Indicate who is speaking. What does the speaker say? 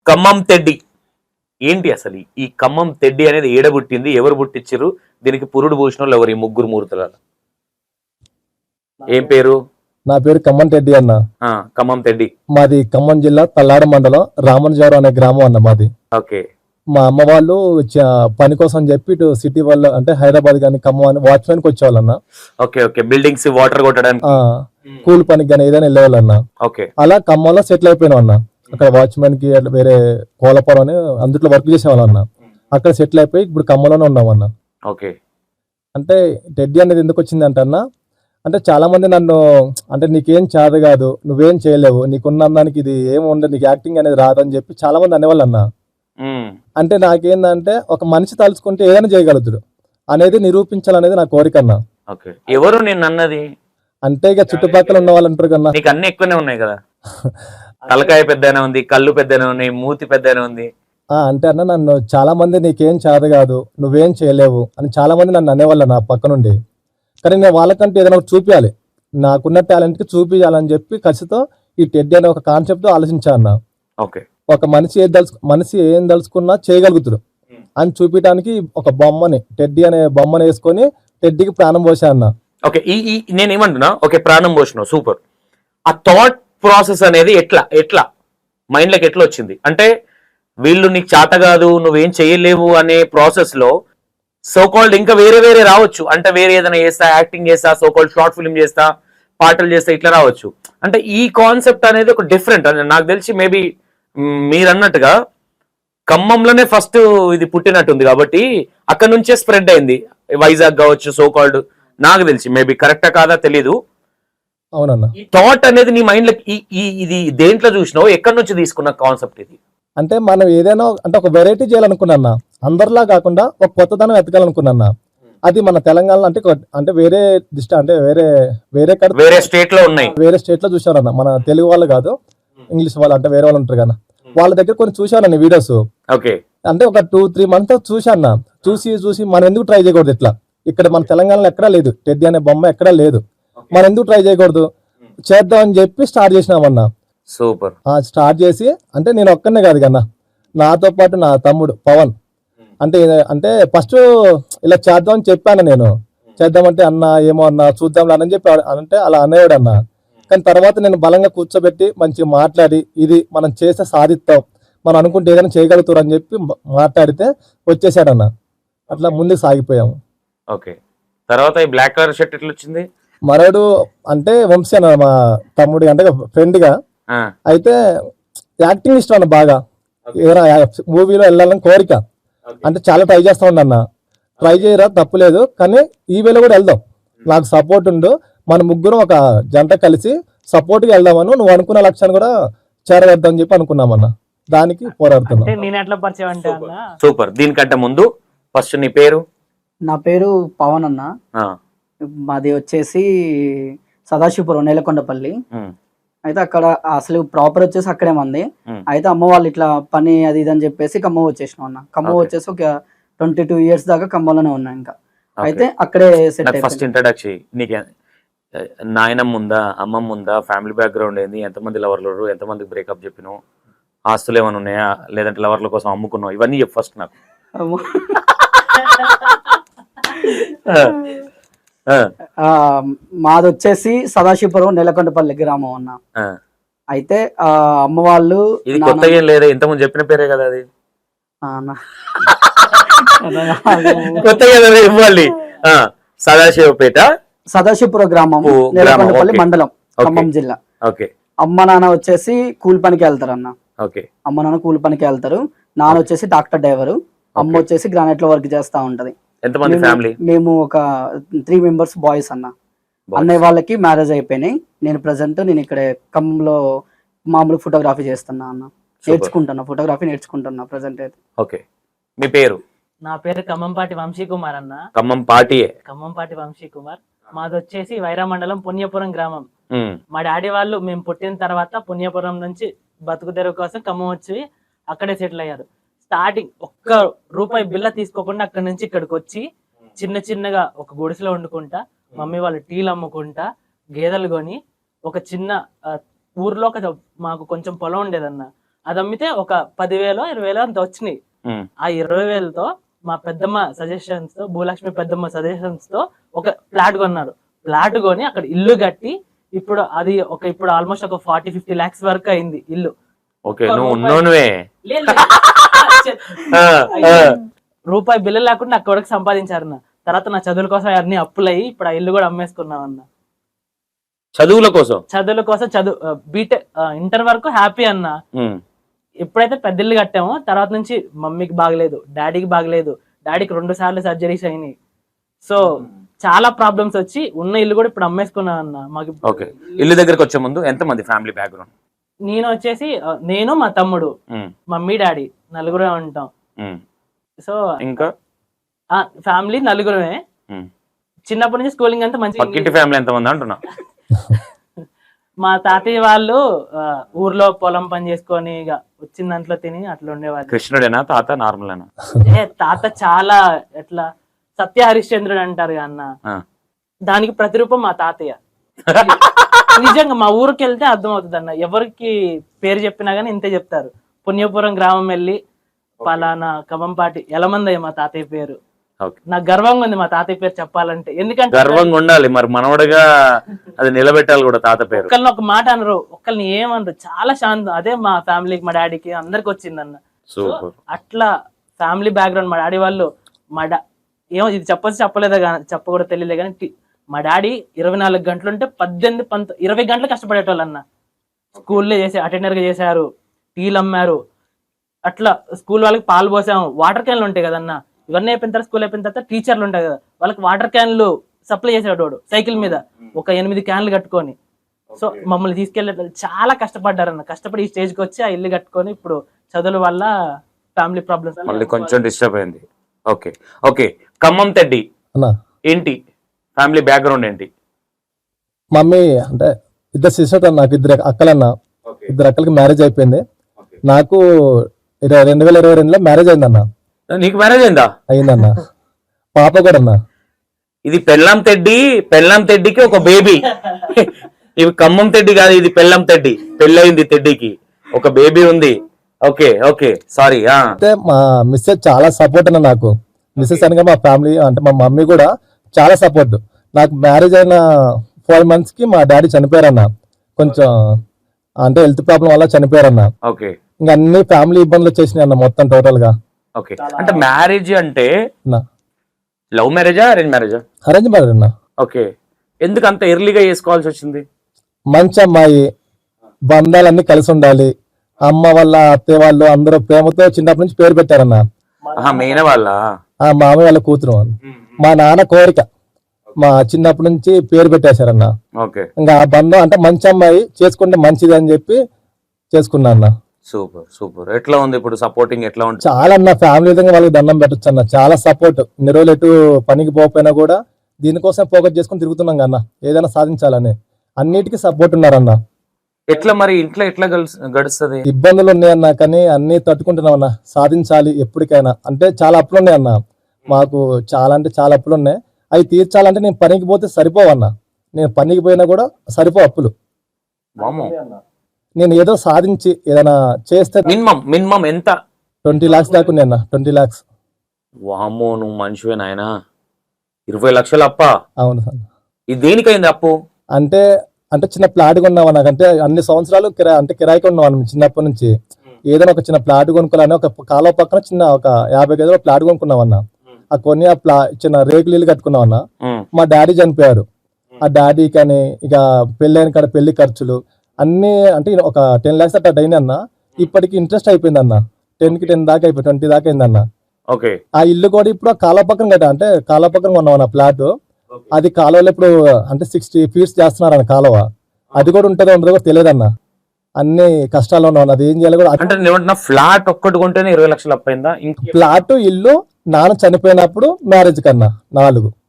Speaker 1: Khammam Teddy ఏంటి అసలు ఈ ఖమ్మం తెడ్డి అనేది ఏడబుట్టింది, ఎవరు పుట్టించారు, దీనికి పురుడు పోసిన వాళ్ళు ఎవరు ఈ ముగ్గురు మూర్తుల? ఏం పేరు?
Speaker 2: నా పేరు ఖమ్మం రెడ్డి అన్న.
Speaker 1: ఖమ్మం తెడ్డి.
Speaker 2: మాది ఖమ్మం జిల్లా తల్లాడ మండలం రామన్జవరం అనే గ్రామం అన్న మాది.
Speaker 1: ఓకే.
Speaker 2: మా అమ్మ వాళ్ళు పని కోసం చెప్పి ఇటు సిటీ వాళ్ళు అంటే హైదరాబాద్ కానీ ఖమ్మం అని వాచ్మెన్ కి వచ్చేవాళ్ళన్న.
Speaker 1: Okay okay. బిల్డింగ్స్ వాటర్ కొట్టడానికి
Speaker 2: కూల్ పనికి కానీ ఏదైనా వెళ్ళేవాళ్ళన్న.
Speaker 1: ఓకే.
Speaker 2: అలా ఖమ్మంలో సెటిల్ అయిపోయినాం అన్న. అక్కడ వాచ్మెన్ కి వేరే కోలపురం అని అందుట్లో వర్క్ చేసేవాళ్ళం అన్న. అక్కడ సెటిల్ అయిపోయి ఇప్పుడు ఖమ్మంలోనే ఉన్నామన్న.
Speaker 1: ఓకే.
Speaker 2: అంటే టెడ్డీ అనేది ఎందుకు వచ్చింది అంటే అన్న, అంటే చాలా మంది నన్ను అంటే నీకేం చేత కాదు, నువ్వేం చేయలేవు, నీకున్న దానికి ఇది ఏమి ఉండదు, నీకు యాక్టింగ్ అనేది రాదని చెప్పి చాలా మంది అనేవాళ్ళు అన్న. అంటే నాకేందంటే ఒక మనిషి తలుచుకుంటే ఏదైనా చేయగలుగుతాడు అనేది నిరూపించాలనేది నా కోరిక అన్న.
Speaker 1: ఎవరు నేను అన్నది
Speaker 2: అంటే ఇక చుట్టుపక్కల ఉన్న వాళ్ళు అంటారు కన్నా,
Speaker 1: నీకు అన్ని ఎక్కువనే ఉన్నాయి కదా, తలకాయ పెద్దనే ఉంది, కళ్ళు పెద్దనే ఉన్నాయి, మూతి పెద్దనే ఉంది.
Speaker 2: అంటే అన్న నన్ను చాలా మంది నీకేం చేత కాదు, నువ్వేం చేయలేవు అని చాలా మంది నన్ను అనేవాళ్ళు నా పక్క నుండి. కానీ నేను వాళ్ళకంటే ఏదైనా చూపించాలి, నాకున్న టాలెంట్కి చూపించాలని చెప్పి ఖచ్చితంగా ఈ టెడ్డీ అనే ఒక కాన్సెప్ట్ ఆలోచించా అన్న.
Speaker 1: ఓకే.
Speaker 2: ఒక మనిషి ఏం దలుచుకున్నా చేయగలుగుతాడు అని చూపించడానికి ఒక బొమ్మని టెడ్డీ అనే బొమ్మని వేసుకొని టెడ్డీకి ప్రాణం పోసా అన్న.
Speaker 1: ఓకే. నేను ఏమంటున్నా, ఓకే ప్రాణం పోసినావు, సూపర్. ఆ థాట్ ప్రాసెస్ అనేది ఎట్లా మైండ్లోకి ఎట్లా వచ్చింది? అంటే వీళ్ళు నీకు చేత కాదు, నువ్వేం చేయలేవు అనే ప్రాసెస్ లో సోకాల్డ్ ఇంకా వేరే రావచ్చు. అంటే వేరే ఏదైనా చేస్తా, యాక్టింగ్ చేస్తా, సోకాల్డ్ షార్ట్ ఫిల్మ్ చేస్తా, పాటలు చేస్తా, ఇట్లా రావచ్చు. అంటే ఈ కాన్సెప్ట్ అనేది ఒక డిఫరెంట్. నాకు తెలిసి మేబీ మీరు అన్నట్టుగా ఖమ్మంలోనే ఫస్ట్ ఇది పుట్టినట్టుంది కాబట్టి అక్కడ నుంచే స్ప్రెడ్ అయింది, వైజాగ్ కావచ్చు సోకాల్డ్. నాకు తెలిసి మేబీ కరెక్టా కాదా తెలీదు.
Speaker 2: అవునన్నా.
Speaker 1: థాట్ అనేది నీ మైండ్ లో ఇది దేంట్లో చూసినావు, ఎక్కడి నుంచి తీసుకున్న కాన్సెప్ట్ ఇది?
Speaker 2: అంటే మనం ఏదైనా అంటే ఒక వెరైటీ చేయాలనుకున్నా, అందరిలా కాకుండా ఒక కొత్తదనం ఎతకాలనుకున్నా. అది మన తెలంగాణలో అంటే వేరే అంటే వేరే
Speaker 1: స్టేట్ లో ఉన్నాయి,
Speaker 2: వేరే స్టేట్ లో చూసారన్న. మన తెలుగు వాళ్ళు కాదు, ఇంగ్లీష్ వాళ్ళు అంటే వేరే వాళ్ళు ఉంటారు కదా, వాళ్ళ దగ్గర కొన్ని చూసాను వీడియోస్.
Speaker 1: ఓకే.
Speaker 2: అంటే ఒక 2-3 మంత్స్ చూసాను. చూసి మనం ఎందుకు ట్రై చేయకూడదు, ఇట్లా ఇక్కడ మన తెలంగాణలో ఎక్కడా లేదు, టెడ్డీ అనే బొమ్మ ఎక్కడా లేదు, మనం ఎందుకు ట్రై చేయకూడదు, చేద్దాం అని చెప్పి స్టార్ట్ చేసినామన్నా.
Speaker 1: సూపర్.
Speaker 2: స్టార్ట్ చేసి అంటే నేను ఒక్కనే కాదు కన్నా, నాతో పాటు నా తమ్ముడు పవన్ అంటే ఫస్ట్ ఇలా చేద్దాం అని చెప్పాను నేను. చేద్దామంటే అన్న ఏమో అన్న చూద్దాంలే అని చెప్పి అంటే అలా అనేవాడు అన్న. కానీ తర్వాత నేను బలంగా కూర్చోబెట్టి మంచిగా మాట్లాడి ఇది మనం చేస్తే సాధిస్తాం, మనం అనుకుంటే ఏదైనా చేయగలుగుతారు అని చెప్పి మాట్లాడితే వచ్చేసాడన్న. అట్లా ముందుకు సాగిపోయాము.
Speaker 1: ఓకే. తర్వాత ఈ బ్లాక్ కలర్ షర్ట్ ఎట్లా వచ్చింది?
Speaker 2: మరోడు అంటే వంశీ అన్న, మా తమ్ముడి అంటే ఫ్రెండ్ గా. అయితే యాక్టింగ్ ఇష్టం అన్న బాగా, ఏదైనా మూవీలో వెళ్ళాలని కోరిక. అంటే చాలా ట్రై చేస్తా ఉండన్న. ట్రై చేయరా తప్పులేదు, కానీ ఈ వేళ కూడా వెళ్దాం, నాకు సపోర్ట్ ఉండు, మన ముగ్గురం ఒక జంట కలిసి సపోర్ట్ గా వెళ్దామని, నువ్వు అనుకున్న లక్ష్యాన్ని కూడా చేరవేద్దాం చెప్పి అనుకున్నామన్న. దానికి పోరాడుతున్నా.
Speaker 1: సూపర్. దీనికంటే ముందు ఫస్ట్ నీ పేరు?
Speaker 3: నా పేరు పవన్ అన్న. మాది వచ్చేసి సదాశివపురం, నేలకొండపల్లి. అయితే అక్కడ అసలు ప్రాపర్ వచ్చేసి అక్కడే మంది. అయితే అమ్మ వాళ్ళు ఇట్లా పని అది ఇది అని చెప్పేసి ఖమ్మం వచ్చేసినాం అన్న. ఖమ్మం వచ్చేసి ఒక 22 years దాకా ఖమ్మంలోనే ఉన్నా. ఇంకా అయితే అక్కడే సెట్.
Speaker 1: ఫస్ట్ ఇంట్రడక్షన్ నీకు నాయనమ్మ ఉందా, అమ్మమ్మ ఉందా, ఫ్యామిలీ బ్యాక్గ్రౌండ్ ఏంది, ఎంతమంది లవర్లు, ఎంతమందికి బ్రేకప్ చెప్పినావు, ఆస్తులు ఏమైనా ఉన్నాయా, లేదంటే లవర్ల కోసం అమ్ముకున్నావు, ఇవన్నీ చెప్పు ఫస్ట్ నాకు.
Speaker 3: మాది వచ్చేసి సదాశివపురం, నేలకొండపల్లి గ్రామం అన్న. అయితే అమ్మ వాళ్ళు
Speaker 1: లేదా ఇంతకుముందు చెప్పిన పేరే కదా అది, కొత్తగా ఇవ్వాలి. సదాశివపేట,
Speaker 3: సదాశివపురం గ్రామం, నేలకొండపల్లి మండలం, ఖమ్మం జిల్లా. అమ్మ నాన్న వచ్చేసి కూలి పనికి వెళ్తారు అన్న. అమ్మ నాన్న కూలి పనికి వెళ్తారు. నాన్న వచ్చేసి డాక్టర్ డ్రైవరు, అమ్మ వచ్చేసి గ్రానైట్ లో వర్క్ చేస్తా ఉంటది.
Speaker 1: ఎంతమంది ఫ్యామిలీ?
Speaker 3: మేము ఒక 3 members బాయ్స్ అన్న. అన్నయ్య వాళ్ళకి మ్యారేజ్ అయిపోయినాయి. నేను ఇక్కడ ఖమ్మంలో మామూలు ఫోటోగ్రఫీ చేస్తున్నా అన్న. నేర్చుకుంటున్నా, ఫోటోగ్రఫీ నేర్చుకుంటున్నా ప్రెసెంట్ అయితే.
Speaker 1: ఓకే. మీ పేరు?
Speaker 4: నా పేరు ఖమ్మంపాటి వంశీ కుమార్ అన్న.
Speaker 1: ఖమ్మంపాటి
Speaker 4: వంశీ కుమార్. మాది వచ్చేసి వైరా మండలం, పుణ్యపురం గ్రామం. మా డాడీ వాళ్ళు మేము పుట్టిన తర్వాత పుణ్యపురం నుంచి బతుకు తెరువు కోసం ఖమ్మం వచ్చి అక్కడే సెటిల్ అయ్యారు. స్టార్టింగ్ ₹1 బిల్ల తీసుకోకుండా అక్కడి నుంచి ఇక్కడికి వచ్చి చిన్నగా ఒక గుడిసెలో వండుకుంటా, మమ్మీ వాళ్ళు టీలు అమ్ముకుంటా, గేదెలు కొని ఒక చిన్న ఊర్లో మాకు కొంచెం పొలం ఉండేదన్న. అది అమ్మితే ఒక 10,000 20,000 అంత వచ్చినాయి.
Speaker 1: ఉమ్.
Speaker 4: ఆ 20,000తో మా పెద్దమ్మ సజెషన్స్ తో, భూలక్ష్మి పెద్దమ్మ సజెషన్స్ తో ఒక ఫ్లాట్ కొన్నారు. ఫ్లాట్ కొని అక్కడ ఇల్లు కట్టి ఇప్పుడు అది ఇప్పుడు ఆల్మోస్ట్ ఒక 40-50 lakhs వరకు అయింది ఇల్లు.
Speaker 1: ఓకే, నువ్వు ఉన్నోనువే.
Speaker 4: లేదు, రూపాయి బిల్లు లేకుండా అక్కడ వరకు సంపాదించారన్న. తర్వాత నా చదువుల కోసం అన్ని అప్పులయ్యి ఇప్పుడు ఆ ఇల్లు కూడా అమ్మేసుకున్నాం అన్న.
Speaker 1: చదువుల కోసం
Speaker 4: బీటెక్ ఇంటర్ వరకు హ్యాపీ అన్న.
Speaker 1: ఉమ్.
Speaker 4: ఎప్పుడైతే పెద్ద ఇల్లు కట్టామో తర్వాత నుంచి మమ్మీకి బాగలేదు, డాడీకి బాగలేదు, డాడీకి 2 సార్లు సర్జరీస్ అయినాయి. సో చాలా ప్రాబ్లమ్స్ వచ్చి ఉన్న ఇల్లు కూడా ఇప్పుడు అమ్మేసుకున్నాం అన్న. మాకు
Speaker 1: ఓకే, ఇల్లు దగ్గరకు వచ్చే ముందు ఎంత మంది ఫ్యామిలీ బ్యాక్గ్రౌండ్?
Speaker 4: నేను వచ్చేసి నేను మా తమ్ముడు, మమ్మీ డాడీ నలుగురే ఉంటాం. సో
Speaker 1: ఇంకా
Speaker 4: ఫ్యామిలీ నలుగురమే. చిన్నప్పటి నుంచి స్కూలింగ్ అంతా మంచి.
Speaker 1: పక్కింటి ఫ్యామిలీ ఎంత మంది అంటున్నా?
Speaker 4: మా తాతయ్య వాళ్ళు ఊర్లో పొలం పని చేసుకొని ఇక వచ్చిన దాంట్లో తిని అట్లా ఉండేవాళ్ళు.
Speaker 1: కృష్ణుడేనా తాత? నార్మల్
Speaker 4: తాత చాలా ఎట్లా సత్య హరిశ్చంద్రుడు అంటారు అన్న, దానికి ప్రతిరూపం మా తాతయ్య. నిజంగా మా ఊరికి వెళ్తే అర్థం అవుతుంది అన్న, ఎవరికి పేరు చెప్పినా గానీ ఇంతే చెప్తారు. పుణ్యపురం గ్రామం వెళ్ళి పలానా కమంపాటి ఎలమందయ్య మా తాతయ్య పేరు. నాకు గర్వంగా ఉంది మా తాతయ్య పేరు చెప్పాలంటే, ఎందుకంటే
Speaker 1: గర్వంగా ఉండాలి మరి, మనవడగా అది నిలబెట్టాలి కూడా తాత పేరు.
Speaker 4: ఒకళ్ళని ఒక మాట అనరు, ఒకళ్ళని ఏమనరు, చాలా శాంతం. అదే మా ఫ్యామిలీకి, మా డాడీకి అందరికి వచ్చిందన్న. అట్లా ఫ్యామిలీ బ్యాక్గ్రౌండ్. మా డాడీ వాళ్ళు ఏమో ఇది చెప్పలేదా చెప్పకూడదు తెలియలే కానీ, మా డాడీ 24 గంటలు ఉంటే 18-20 గంటలు కష్టపడేటోళ్ళు అన్న. స్కూల్లో అటెండర్ గా చేశారు, టీలు అమ్మారు, అట్లా స్కూల్ వాళ్ళకి పాలు పోసాము. వాటర్ క్యాన్లు ఉంటాయి కదన్నా, ఇవన్నీ అయిపోయిన తర్వాత స్కూల్ అయిపోయిన తర్వాత టీచర్లు ఉంటాయి కదా, వాళ్ళకి వాటర్ క్యాన్లు సప్లై చేసేవాడు సైకిల్ మీద ఒక 8 క్యాన్లు కట్టుకొని. సో మమ్మల్ని తీసుకెళ్లే చాలా కష్టపడ్డారన్న. కష్టపడి ఈ స్టేజ్కి వచ్చి ఆ ఇల్లు కట్టుకొని ఇప్పుడు చదువుల వల్ల ఫ్యామిలీ ప్రాబ్లమ్స్
Speaker 1: మళ్ళీ కొంచెం డిస్టర్బ్ అయింది. ఓకే ఓకే, ఖమ్మం తెడ్డి ఏంటి ఫ్యామిలీ బ్యాక్గ్రౌండ్ ఏంటి?
Speaker 2: మమ్మీ అంటే 2 సిస్టర్స్ అన్న, నాకు 2 అక్కలన్న. 2 అక్కలకి మ్యారేజ్ అయిపోయింది. నాకు 2022లో మ్యారేజ్ అయిందన్న.
Speaker 1: నీకు మ్యారేజ్ అయిందా?
Speaker 2: అయిందన్న, పాప కూడా అన్న.
Speaker 1: ఇది పెళ్ళాం తెడ్డికి ఒక బేబీ. ఇవి ఖమ్మం తెడ్డి కాదు, ఇది పెళ్ళాం తెడ్డి. పెళ్ళయింది తెడ్డికి, ఒక బేబీ ఉంది. Okay okay, sorry.
Speaker 2: అయితే మా మిస్సెస్ చాలా సపోర్ట్ అన్న నాకు. మిస్సెస్ అనగా మా ఫ్యామిలీ అంటే మా మమ్మీ కూడా చాలా సపోర్ట్. నాకు మ్యారేజ్ అయిన 4 months కి మా డాడీ చనిపోయారన్న. కొంచెం అంటే హెల్త్ ప్రాబ్లం వల్ల చనిపోయారన్న.
Speaker 1: ఓకే,
Speaker 2: ఇంకా అన్ని ఫ్యామిలీ ఇబ్బందులు వచ్చేసినాయి అన్న మొత్తం టోటల్ గా.
Speaker 1: ఓకే, అంటే మ్యారేజ్ అంటే లవ్ మ్యారేజా అరేంజ్ మ్యారేజా?
Speaker 2: అరేంజ్ మ్యారేజ్ అన్న.
Speaker 1: ఓకే, ఎందుకు అంత ఎర్లీగా చేసుకోవాల్సి వచ్చింది?
Speaker 2: మంచి అమ్మాయి, బంధాలన్నీ కలిసి ఉండాలి. అమ్మ వాళ్ళ అత్తయ్య వాళ్ళు అందరూ ప్రేమతో చిన్నప్పటి నుంచి పేరు పెట్టారన్న.
Speaker 1: మెయిన్ వాళ్ళ
Speaker 2: మామయ్య వాళ్ళ కూతురు. మా నాన్న కోరిక, మా చిన్నప్పటి నుంచి పేరు పెట్టేశారన్న. ఇంకా ఆ బంధం అంటే మంచి అమ్మాయి చేసుకుంటే మంచిది అని చెప్పి చేసుకున్నా అన్న.
Speaker 1: Super super. ఎట్లా ఉంది ఇప్పుడు సపోర్టింగ్? ఎట్లా ఉంది?
Speaker 2: చాలా అన్న, ఫ్యామిలీ విధంగా వాళ్ళకి దండం పెట్టచ్చు అన్న. చాలా సపోర్ట్. ఇన్ని రోజులు ఎటు పనికి పోకపోయినా కూడా దీనికోసం ఫోకస్ చేసుకుని తిరుగుతున్నాం అన్న, ఏదైనా సాధించాలని. అన్నిటికీ సపోర్ట్ ఉన్నారన్న.
Speaker 1: ఎట్లా మరి ఇంట్లో ఎట్లా గడుస్తుంది?
Speaker 2: ఇబ్బందులు ఉన్నాయన్న, కానీ అన్ని తట్టుకుంటున్నాం అన్న. సాధించాలి ఎప్పటికైనా. అంటే చాలా అప్పులు ఉన్నాయి అన్న మాకు, చాలా అంటే చాలా అప్పులు ఉన్నాయి. అవి తీర్చాలంటే నేను పనికి పోతే సరిపోవన్న. నేను పనికి పోయినా కూడా సరిపో అప్పులు. నేను ఏదో సాధించి ఏదైనా చేస్తే
Speaker 1: మినిమం ఎంత?
Speaker 2: 20 lakhs దాకా ఉన్నాయి అన్న. 20 lakhs.
Speaker 1: వామ్మో, నువ్వు మనిషివే నాయనా. 20 లక్షలు అప్ప?
Speaker 2: అవును సార్.
Speaker 1: ఇది దేనికైంది అప్పు?
Speaker 2: అంటే చిన్న ప్లాట్ కొన్నావా నాకంటే అన్ని సంవత్సరాలు కిరాయికి ఉన్నాం చిన్నప్పటి నుంచి. ఏదైనా ఒక చిన్న ప్లాట్ కొనుక్కోవాలని ఒక కాలువ పక్కన చిన్న ఒక 50 గదుల ప్లాట్ కొనుక్కున్నామన్నా. ఆ కొన్ని చిన్న రేకులు ఇల్లు కట్టుకున్నామన్నా. మా డాడీ చనిపోయారు. ఆ డాడీ కానీ ఇక పెళ్ళైన కాడ పెళ్లి ఖర్చులు అన్ని అంటే ఒక 10 lakhs అట్లా అయినా అన్న. ఇప్పటికి ఇంట్రెస్ట్ అయిపోయింది అన్న. 10కి 10 దాకా అయిపోయి 20 దాకా అయిందన్న. ఆ ఇల్లు కూడా ఇప్పుడు కాలువ పక్కన కట్టా, అంటే కాలువ పక్కన కొన్నామన్న ప్లాట్. అది కాలువలో ఇప్పుడు అంటే 60 feet చేస్తున్నారన్న కాలువ. అది కూడా ఉంటుందో ఉండదో కూడా తెలియదన్న. అన్ని కష్టాల్లో ఉన్నాను. అది ఏం చేయాలి కూడా.
Speaker 1: అంటే ఫ్లాట్ ఒక్కటి కొంటేనే 20 లక్షలు అప్పైందా?
Speaker 2: ఫ్లాట్ ఇల్లు నాన్న చనిపోయినప్పుడు మ్యారేజ్ కన్నా 4